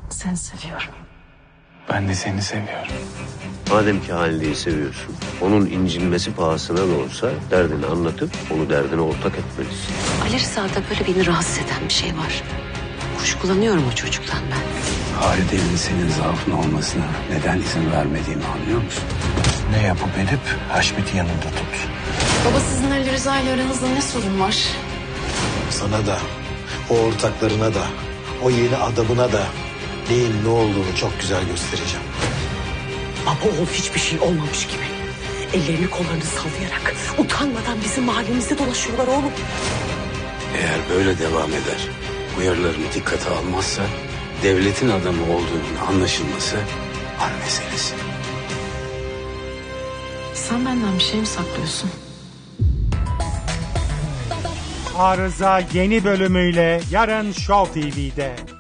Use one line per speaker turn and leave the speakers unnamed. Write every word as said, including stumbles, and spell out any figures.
Seni seviyorum.
Ben de seni seviyorum.
Madem ki Halide'yi seviyorsun, onun incinmesi pahasına da olsa derdini anlatıp onu derdine ortak etmelisin.
Ali Rıza'da böyle beni rahatsız eden bir şey var. Kuşkulanıyorum o çocuktan ben.
Halide'nin senin zaafın olmasına neden izin vermediğimi anlıyor musun? Ne yapıp edip Haşmet'i yanında tut.
Baba, sizin Ali Rıza ile aranızda ne sorun var?
Sana da, o ortaklarına da, o yeni adamına da neyin ne olduğunu çok güzel göstereceğim.
Baba oğul hiçbir şey olmamış gibi. Ellerini kollarını sallayarak utanmadan bizim mahallemizde dolaşıyorlar oğlum.
Eğer böyle devam eder, uyarılarımı dikkate almazsa devletin adamı olduğunun anlaşılması an meselesi.
Sen benden bir şey mi saklıyorsun?
Arıza yeni bölümüyle yarın Show T V'de.